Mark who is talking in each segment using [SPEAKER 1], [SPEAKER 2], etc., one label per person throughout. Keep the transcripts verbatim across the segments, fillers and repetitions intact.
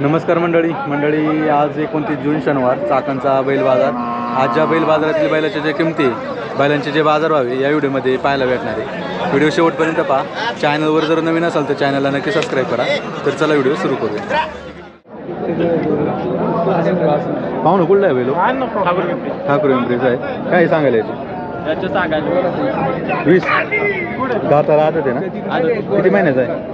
[SPEAKER 1] नमस्कार मंडळी मंडळी आज एकोणतीस जून शनिवार चाकणचा बैल बाजार। आज ज्या बैल बाजारातील बैलाच्या ज्या किमती बैलांचे जे बाजार व्हावे या व्हिडिओमध्ये पाहायला भेटणार आहे। व्हिडिओ शेवटपर्यंत पहा। चॅनलवर जर नवीन असाल तर चॅनलला नक्की सबस्क्राईब करा। तर चला व्हिडिओ सुरू करूया। पाहुणं कुठला आहे बैल? ठाकूर पिंपरीचा आहे। काय सांगायला याचे? वीस दाताला आदत आहे ना? किती महिन्याचा आहे?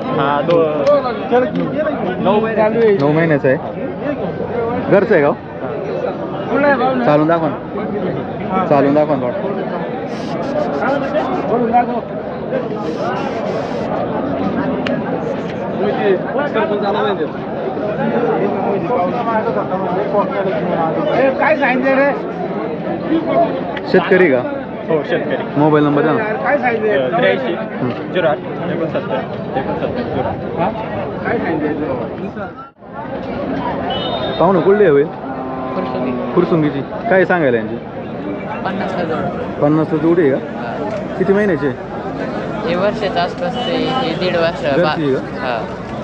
[SPEAKER 1] नऊ महिन्याचा आहे। घरचं आहे गाव? चालून दाखवा ना, चालून दाखवा ना
[SPEAKER 2] काय सांगितलं रे?
[SPEAKER 1] शेतकरी का?
[SPEAKER 2] हो शेतकरी।
[SPEAKER 1] मोबाईल नंबर द्या ना।
[SPEAKER 2] काय सांगितलं? त्र्याऐंशी झिरो आठ एकोणसत्तर एकोणसत्तर झिरो आठ। काय सांगितलं?
[SPEAKER 1] पाहुणं कुठली हवे? फुरसुंगीची। काय सांगायला यांची?
[SPEAKER 3] पन्नास हजार
[SPEAKER 1] पन्नास जोडी आहे का? किती महिन्याचे?
[SPEAKER 3] हे वर्षाच्या आसपास ते हे दीड वर्ष
[SPEAKER 1] घरची आहे
[SPEAKER 3] हा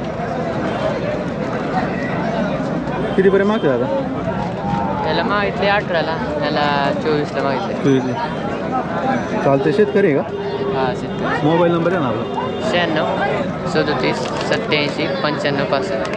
[SPEAKER 1] कितीपर्यंत मागते दादा?
[SPEAKER 3] त्याला मागितले अठराला, त्याला चोवीसला मागितले।
[SPEAKER 1] चोवीसला चालते। शेतकरी आहे का?
[SPEAKER 3] हा शेतकरी।
[SPEAKER 1] मोबाईल नंबर आहे ना आपला?
[SPEAKER 3] शहाण्णव सदोतीस सत्याऐंशी पंच्याण्णव पासष्ट।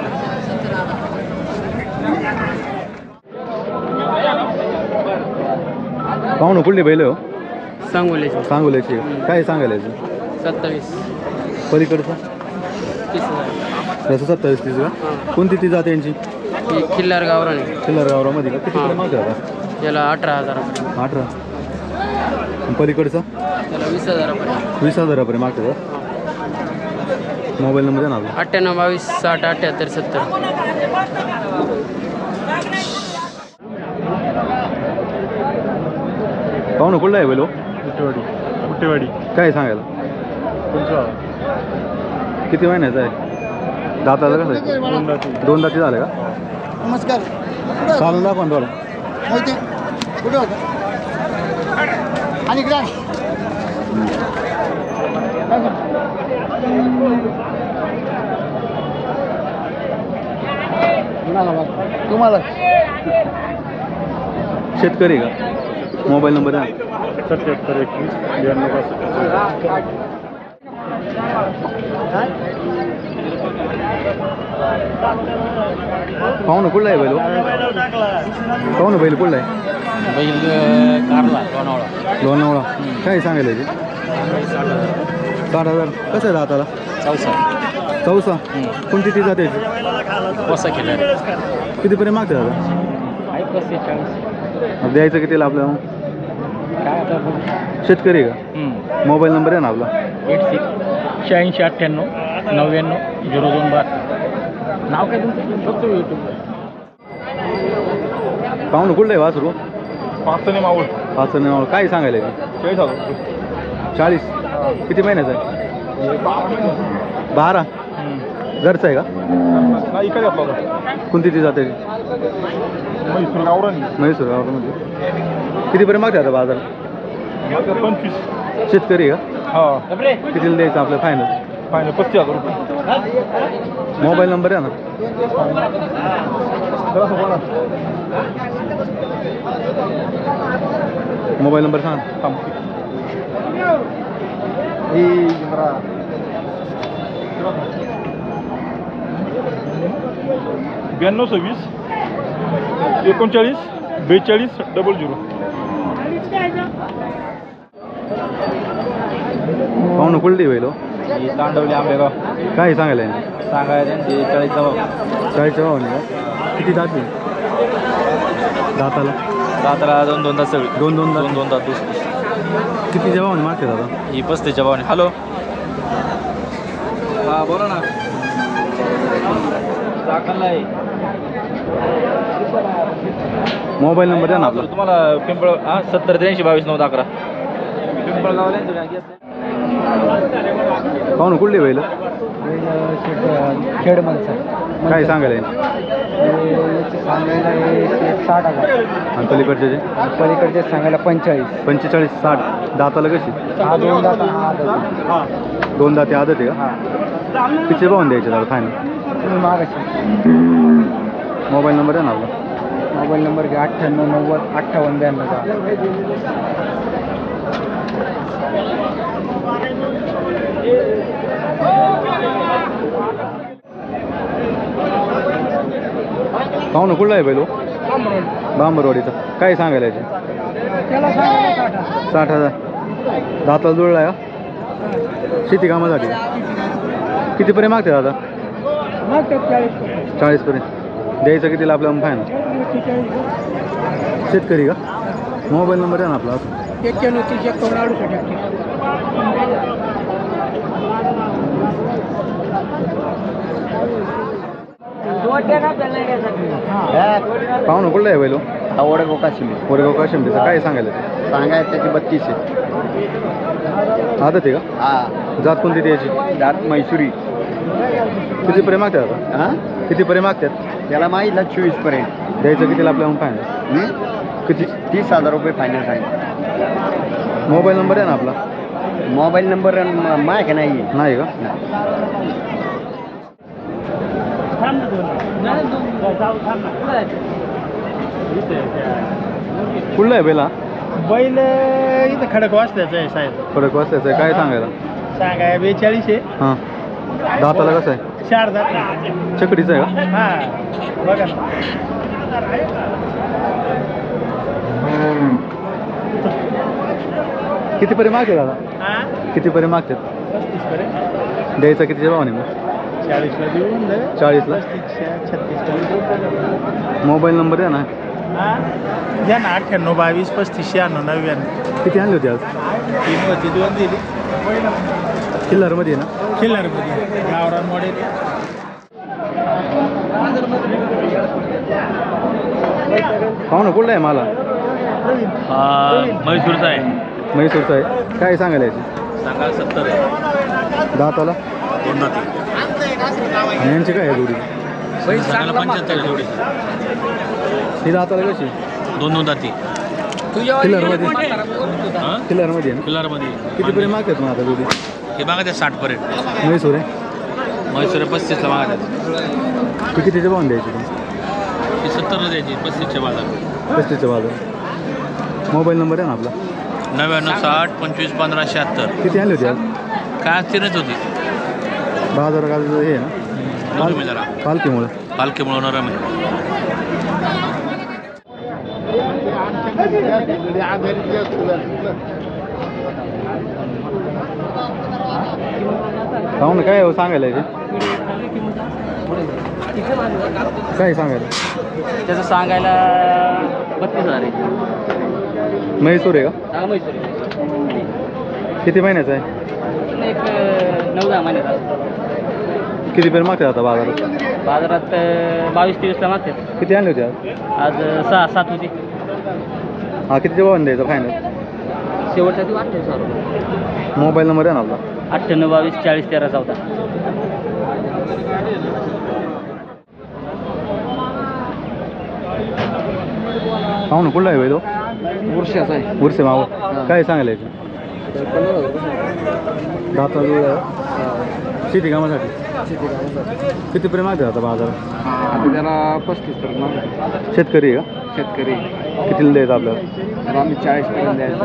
[SPEAKER 1] पाहुणं कुठली बैल हो?
[SPEAKER 3] सांगोल्याची
[SPEAKER 1] सांगोल्याची आहे। काय सांगायला याचं?
[SPEAKER 3] सत्तावीस
[SPEAKER 1] पलीकडचं
[SPEAKER 3] तीस हजार।
[SPEAKER 1] त्याचं सत्तावीस तीस का? कोणती ती जाते यांची?
[SPEAKER 3] ही खिल्लार गावराने
[SPEAKER 1] चिल्लर गावरामध्ये का? किती मागते आता?
[SPEAKER 3] त्याला अठरा हजारापर्यंत,
[SPEAKER 1] अठरा। आणि पलीकडचं
[SPEAKER 3] त्याला वीस हजारापर्यंत।
[SPEAKER 1] वीस हजारापर्यंत मागते का? मोबाईल नंबर द्या ना आपला?
[SPEAKER 3] अठ्ठ्याण्णव बावीस साठ अठ्ठ्याहत्तर सत्तर।
[SPEAKER 1] पाहुणं कुठला आहे बैल?
[SPEAKER 2] कुटेवाडी कुटेवाडी।
[SPEAKER 1] काय सांगायला? किती महिन्याचा आहे? दाताला कसं आहे? दोन दाती झाले का?
[SPEAKER 2] नमस्कार।
[SPEAKER 1] चालून दाखवा ना थोडं।
[SPEAKER 2] माहिती कुठे होतं? आणि इकडे तुम्हाला
[SPEAKER 1] शेतकरी का? मोबाईल नंबर द्या ना?
[SPEAKER 2] सत्याहत्तर एकवीस ब्याण्णव पासष्ट।
[SPEAKER 1] पाहुणं कुठला आहे बैल? पाहुणं बैल कुठला आहे?
[SPEAKER 3] बैल कारला लोणावळा।
[SPEAKER 1] लोणावळा। काय सांगायला याची? साठ हजार। कसं आहे दाताला?
[SPEAKER 3] चौसा
[SPEAKER 1] चौसा। कोणती ती जाते याची?
[SPEAKER 3] वसा केला
[SPEAKER 1] कितीपर्यंत मागते दादा?
[SPEAKER 3] आहे पस्तीस चाळीस।
[SPEAKER 1] द्यायचं कितीला आपल्याला?
[SPEAKER 3] काय आता
[SPEAKER 1] शेतकरी का? मोबाईल नंबर आहे ना आपला?
[SPEAKER 3] एट सिक्स शहाऐंशी अठ्ठ्याण्णव नव्याण्णव झिरो दोन बार। नाव काय तुमचं? फक्त यूट्यूब।
[SPEAKER 1] पाहुणं कुठलं आहे वासरू?
[SPEAKER 2] पाचने मावळ
[SPEAKER 1] पाच नाव काय सांगायला याची?
[SPEAKER 2] चाळीस हजार।
[SPEAKER 1] चाळीस। किती महिन्याचा आहे? बारा। घरचं आहे का?
[SPEAKER 2] नाही इकडे आपला
[SPEAKER 1] कोणती ती जाते?
[SPEAKER 2] म्हैसूर गावरानी।
[SPEAKER 1] म्हैसूर गावामध्ये। कितीपर्यंत मागते आता बाजार?
[SPEAKER 2] पंचवीस।
[SPEAKER 1] शेतकरी का?
[SPEAKER 2] हा
[SPEAKER 1] कितीला द्यायचं आपलं फायनल?
[SPEAKER 2] फायनल पस्तीस हजार रुपये।
[SPEAKER 1] मोबाईल नंबर आहे ना? मोबाईल नंबर सांग।
[SPEAKER 2] ब्याण्णव सव्वीस एकोणचाळीस बेचाळीस डबल झिरो।
[SPEAKER 1] पाहुणं कुठली बैल हो?
[SPEAKER 2] तांडवली आंबेगाव।
[SPEAKER 1] काय सांगायला यांची?
[SPEAKER 2] सांगायला त्यांची चाळीसचा भाव।
[SPEAKER 1] चाळीसच्या भावाने का? किती जाते दाताला?
[SPEAKER 2] दाताला दोन दोन तास सगळी
[SPEAKER 1] दोन दोन दात.
[SPEAKER 2] दोन दोन तास दुस
[SPEAKER 1] कितीच्या भावाने मागते दादा?
[SPEAKER 2] ही पस्तीसच्या भावाने। हॅलो हा बोला ना। चाकणला आहे।
[SPEAKER 1] मोबाईल नंबर द्या ना आपला?
[SPEAKER 2] तुम्हाला पिंपळ हा सत्तर त्र्याऐंशी बावीस नऊ अकरा पिंपळगावला।
[SPEAKER 1] पाहुणं कुठली बैल?
[SPEAKER 3] खेड माणसं
[SPEAKER 1] काय सांगायला यांची?
[SPEAKER 3] सांगायला साठ हजार
[SPEAKER 1] आणि पलीकडचे जे
[SPEAKER 3] पलीकडचे सांगायला पंचेचाळीस
[SPEAKER 1] पंचेचाळीस साठ दाताला कशी?
[SPEAKER 3] हा दोन दात हा
[SPEAKER 1] दोन दाते आदत आहे का? किती भावून द्यायचे दादा फायनल?
[SPEAKER 2] तुम्ही मागाशी
[SPEAKER 1] मोबाईल नंबर आहे ना आपला?
[SPEAKER 2] मोबाईल नंबर घ्या अठ्ठ्याण्णव नव्वद अठ्ठावन्न ब्याण्णव दहा.
[SPEAKER 1] पाहू ना कुठला आहे बैलो? बांबरवाडीचा. काय सांगायला याचे?
[SPEAKER 2] त्याला सांगा
[SPEAKER 1] साठ हजार. दाताला जुळला आहे का? शेती कामासाठी कितीपर्यंत मागते दादा? चाळीसपर्यंत. द्यायचं कितीला आपल्याला फायनल? शेतकरी का? मोबाईल नंबर आहे ना आपला?
[SPEAKER 2] एक्क्याण्णव तीस एकावन्न अडुसष्ट
[SPEAKER 1] पाहू ना कुठला आहे बैलो?
[SPEAKER 2] हा वडगाव काशिम
[SPEAKER 1] वडगाव काशिमटीचं. काय सांगायला?
[SPEAKER 2] सांगाय त्याची बत्तीस आहे.
[SPEAKER 1] आदत आहे का?
[SPEAKER 2] हा
[SPEAKER 1] जात कोणती त्याची?
[SPEAKER 2] दात मैसुरी.
[SPEAKER 1] कितीपर्यंत मागतात आता?
[SPEAKER 2] हा
[SPEAKER 1] कितीपर्यंत मागतात?
[SPEAKER 2] त्याला माहितला चोवीस पर्यंत.
[SPEAKER 1] द्यायचं कितीला आपल्याला फायनल? किती?
[SPEAKER 2] तीस हजार रुपये फायनल सांगितलं.
[SPEAKER 1] मोबाईल नंबर आहे ना आपला?
[SPEAKER 2] मोबाईल नंबर माय का नाही
[SPEAKER 1] नाही का? कुठला आहे बैला?
[SPEAKER 2] बैल इथं खडक वाचल्याचं आहे साहेब.
[SPEAKER 1] फरक वाचायचं आहे. काय सांगायला?
[SPEAKER 2] सांगाय बेचाळीस आहे.
[SPEAKER 1] हां. दाताला कसं आहे?
[SPEAKER 2] चार दात.
[SPEAKER 1] चकडीचं आहे का?
[SPEAKER 2] हा बघा ना.
[SPEAKER 1] कितीपर्यंत मागते दादा?
[SPEAKER 2] हा
[SPEAKER 1] कितीपर्यंत मागतात?
[SPEAKER 2] पस्तीस पर्यंत.
[SPEAKER 1] द्यायचा कितीच्या भावाने मग?
[SPEAKER 2] चाळीसला देऊन दे.
[SPEAKER 1] चाळीसला.
[SPEAKER 2] छत्तीस
[SPEAKER 1] मोबाईल नंबर आहे ना?
[SPEAKER 2] द्या ना अठ्ठ्याण्णव बावीस पस्तीस शहाण्णव नव्याण्णव.
[SPEAKER 1] किती आणली होती आज?
[SPEAKER 2] तीन होती दोन दिली.
[SPEAKER 1] किल्लारमध्ये आहे ना?
[SPEAKER 2] खिल्लारमध्ये गावरान मॉडेल.
[SPEAKER 1] पाहू ना कुठला आहे मला?
[SPEAKER 3] म्हैसूरचा आहे.
[SPEAKER 1] म्हैसूरचा आहे. काय सांगायला याची?
[SPEAKER 3] सांगा सत्तर आहे.
[SPEAKER 1] दाताला?
[SPEAKER 3] दोन दाती.
[SPEAKER 1] आणि यांची काय आहे जोडी?
[SPEAKER 3] सांगायला पंच्याहत्तर आहे जोडी.
[SPEAKER 1] ही दाताला कशी?
[SPEAKER 3] दोन दोन दाती.
[SPEAKER 1] किल्लारमध्ये?
[SPEAKER 3] हां
[SPEAKER 1] किल्लारमध्ये आहे ना?
[SPEAKER 3] किल्लारमध्ये.
[SPEAKER 1] कितीपर्यंत मागतात मग आता जोडी?
[SPEAKER 3] हे मागा त्या साठ पर्यंत.
[SPEAKER 1] म्हैसूर आहे.
[SPEAKER 3] म्हैसूर पस्तीसला मागा
[SPEAKER 1] ती कितीच्या भावाने द्यायची ती?
[SPEAKER 3] ती सत्तरला द्यायची पस्तीसच्या बाजार.
[SPEAKER 1] पस्तीसच्या बाजार. मोबाईल नंबर आहे ना आपला?
[SPEAKER 3] नव्याण्णव साठ पंचवीस पंधरा शहात्तर.
[SPEAKER 1] किती आणली होती आज?
[SPEAKER 3] काय अस्थिरच होती
[SPEAKER 1] बाजार का हे आहे ना?
[SPEAKER 3] तुम्ही जरा
[SPEAKER 1] पालखीमुळं.
[SPEAKER 3] पालखीमुळे नरम आहे.
[SPEAKER 1] पाहू ना काय हो सांगायला याचे? काय सांगायला?
[SPEAKER 3] त्याचं सांगायला बत्तीस हजार आहे.
[SPEAKER 1] म्हैसूर आहे का?
[SPEAKER 3] हा म्हैसूर
[SPEAKER 1] किती महिन्याचा आहे?
[SPEAKER 3] एक नऊ दहा महिन्यात.
[SPEAKER 1] कितीपर्यंत मागतात आता बाजारात?
[SPEAKER 3] बाजारात बावीस तेवीसला मागतात.
[SPEAKER 1] किती आणली होती आज?
[SPEAKER 3] आज सहा सात होती.
[SPEAKER 1] हा कितीच्या भावाने द्यायचा फायनल?
[SPEAKER 3] शेवटचा ती अठ्ठावीस हजार रुपये.
[SPEAKER 1] मोबाईल नंबर आहे ना आपला?
[SPEAKER 3] अठ्ठ्याण्णव बावीस चाळीस तेरा चौदा.
[SPEAKER 1] पाहू ना कुठला आहे बैल?
[SPEAKER 2] वर्षाचा आहे.
[SPEAKER 1] उरसे माव. काय सांगायला याचे? दाता जुळ शेती कामासाठी. कितीपर्यंत मागतात आता बाजारात?
[SPEAKER 2] आता त्याला पस्तीस पर्यंत मागतो.
[SPEAKER 1] शेतकरी आहे का?
[SPEAKER 2] शेतकरी
[SPEAKER 1] कितीला द्यायचं आपल्याला?
[SPEAKER 2] तर आम्ही चाळीस पर्यंत द्यायचं.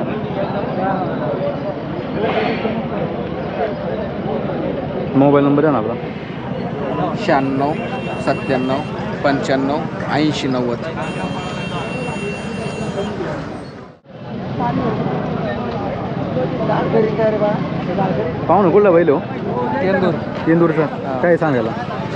[SPEAKER 1] मोबाईल नंबर आहे ना आपला?
[SPEAKER 2] शहाण्णव सत्त्याण्णव पंच्याण्णव ऐंशी नव्वद.
[SPEAKER 1] पाहू ना कुठला बैल हो?
[SPEAKER 2] तेंदूर.
[SPEAKER 1] इंदूरचा. काय सांगायला?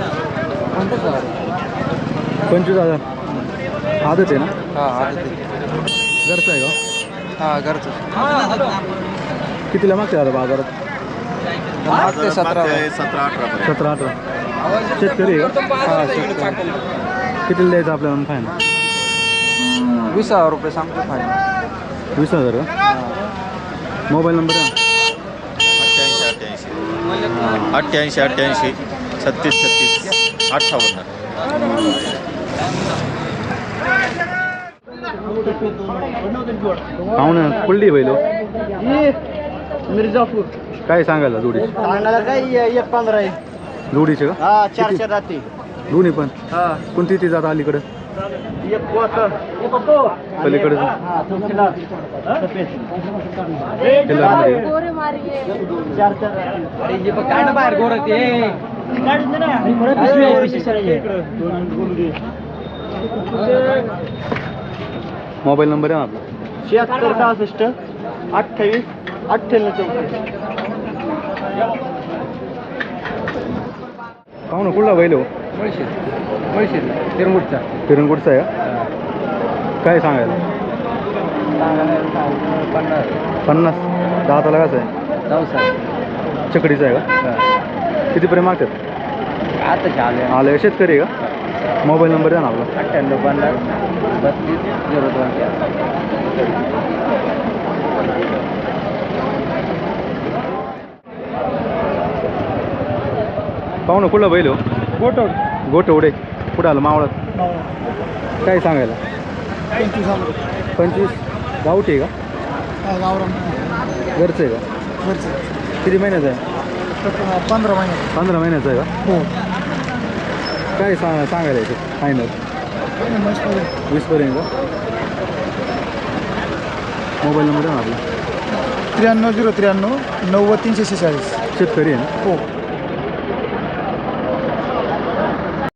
[SPEAKER 1] पंचवीस हजार. आदत आहे ना?
[SPEAKER 2] हां
[SPEAKER 1] घरचं आहे का?
[SPEAKER 2] हां घरचं.
[SPEAKER 1] कितीला मागते आता बाजारात?
[SPEAKER 2] मागते सतरा
[SPEAKER 1] सतरा अठरा. शेतकरी आहे का?
[SPEAKER 2] हां शेतकरी.
[SPEAKER 1] कितीला द्यायचं आपल्याला फायनल?
[SPEAKER 2] वीस हजार रुपये सांगतो फायनल.
[SPEAKER 1] वीस हजार का? मोबाईल नंबर आहे ना?
[SPEAKER 4] अठ्ठ्याऐंशी अठ्ठ्याऐंशी छत्तीस छत्तीस अठ्ठावन्न.
[SPEAKER 1] पाहू ना कुठली बैल हो?
[SPEAKER 2] मिर्जापूर.
[SPEAKER 1] काय सांगायला जोडी?
[SPEAKER 2] सांगायला काय एक पंधरा आहे.
[SPEAKER 1] जोडीचे का
[SPEAKER 2] हा चार
[SPEAKER 1] किती?
[SPEAKER 2] चार राहते
[SPEAKER 1] दोन्ही पण
[SPEAKER 2] हा
[SPEAKER 1] कोणती ती जात अलीकडं
[SPEAKER 2] एक पोत
[SPEAKER 1] पलीकडे
[SPEAKER 2] हा तो खिलार. सफेद.
[SPEAKER 1] खिल्लारमध्ये.
[SPEAKER 5] गोरे मारिये
[SPEAKER 2] चार चार अरे जे बघ काय ना बाहेर गोर ते
[SPEAKER 1] मोबाईल नंबर आहे ना आपला
[SPEAKER 2] शहात्तर सहासष्ट अठ्ठावीस अठ्ठ्याण्णव चौतीस.
[SPEAKER 1] पाहू ना कुठला बैल हो
[SPEAKER 3] मुळशीत मुळशीत तिरमुटचा
[SPEAKER 1] पिरंगुटचा आहे का काय सांगायला
[SPEAKER 3] पन्नास
[SPEAKER 1] पन्नास दाताला कसं आहे
[SPEAKER 3] चौसष्ट
[SPEAKER 1] चकडीचा आहे का कितीपर्यंत मागतात
[SPEAKER 3] आता झाले
[SPEAKER 1] आलं शेतकरी आहे का मोबाईल नंबर आहे ना आपला
[SPEAKER 3] अठ्ठ्याण्णव पन्नास बत्तीस झिरो दोन
[SPEAKER 1] पाहू ना कुठला बैल हो
[SPEAKER 2] गोटोड
[SPEAKER 1] गोटवडे कुठं आलं मावळात काय सांगायला पंचवीस गावठी आहे का
[SPEAKER 2] गावराम
[SPEAKER 1] घरचं आहे का किती महिन्याचं आहे
[SPEAKER 2] पंधरा महिने
[SPEAKER 1] पंधरा महिन्याचं आहे का
[SPEAKER 2] हो
[SPEAKER 1] काय सांग सांगायला याचे फायनल वीसपर्यंत का मोबाईल नंबर आहे ना आपला
[SPEAKER 2] त्र्याण्णव झिरो त्र्याण्णव नव्वद तीनशे शेहेचाळीस
[SPEAKER 1] शेतकरी आहे ना
[SPEAKER 2] हो